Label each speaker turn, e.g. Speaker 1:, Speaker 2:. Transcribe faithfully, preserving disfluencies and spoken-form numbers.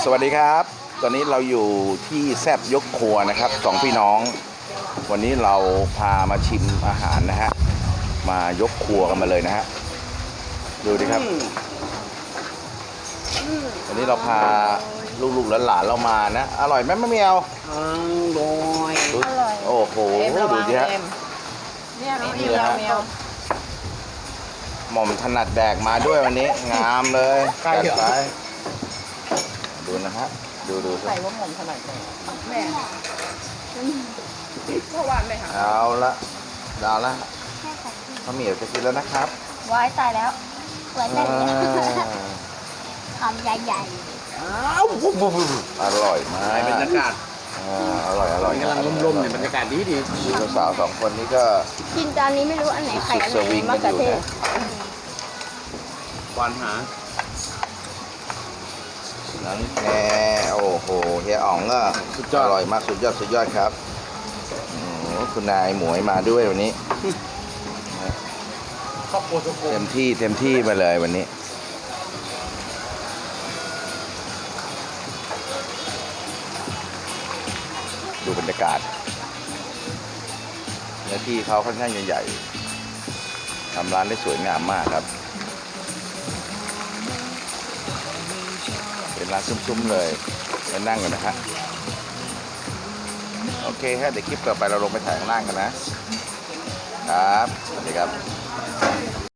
Speaker 1: สวัสดีครับ ตอนนี้เราอยู่ที่แซบยกครัวนะครับสองพี่น้อง วันนี้เราพามาชิมอาหารนะฮะ มายกครัวกันมาเลยนะฮะ ดูดิครับ วันนี้เราพาลูกๆหลานๆเรามานะ อร่อยไหมมะเมียว
Speaker 2: อร่อย
Speaker 1: ดูโอ้โห ดูดิฮะ
Speaker 3: เนี่ยน้อง
Speaker 1: นี่
Speaker 3: อิว
Speaker 1: แหละ
Speaker 3: เรา
Speaker 1: ฮะ
Speaker 3: เมียว
Speaker 1: หม่อมถนัดแดกมาด้วยวันนี้ งามเลยจัดไปดูนะฮะ ดูดู
Speaker 3: ใส่ว่าหม่อมถนัดแดกแม่เพราะว่าแม่ค่ะ
Speaker 1: เอาละดาวละมะเหมียวจะกินแล้วนะครับ
Speaker 4: ว้ายตายแล้วเหมือน
Speaker 1: อ่
Speaker 4: กัน
Speaker 1: า
Speaker 4: คำใหญ่
Speaker 1: อ้าวอร่อยมาก
Speaker 2: บรรยากาศ
Speaker 1: อ่าอร่อยอร่อย
Speaker 2: กำลังลมๆเนี่ยบรรยากาศดีดี
Speaker 1: ดูสาวๆสองคนนี้ก็
Speaker 4: ๆกินจานนี้ไม่รู้อันไหนไข่อัน
Speaker 1: สุดส
Speaker 4: ไหน
Speaker 1: วิง
Speaker 4: มะ
Speaker 1: กัน
Speaker 4: เขื
Speaker 1: อ
Speaker 4: อยู่ เทศ
Speaker 1: นะ
Speaker 2: ควานหา
Speaker 1: นั้นแน่โอ้โหเฮียอ๋องก็สุดยอดอร่อยมากสุดยอดสุดยอดครับโอ้โหคุณนายหมวยมาด้วยวันนี้
Speaker 2: ครอบครัวทุกคน
Speaker 1: เต็มที่เต็มที่มาเลยวันนี้ดูบรรยากาศเนื้อที่เขาค่อนข้างใหญ่ๆทำร้านได้สวยงามมากครับเป็นร้านซุ้มๆเลยมานั่งกันนะฮะโอเคฮะเดี๋ยวคลิปต่อไปเราลงไปถ่ายข้างล่างกันนะครับสวัสดีครับ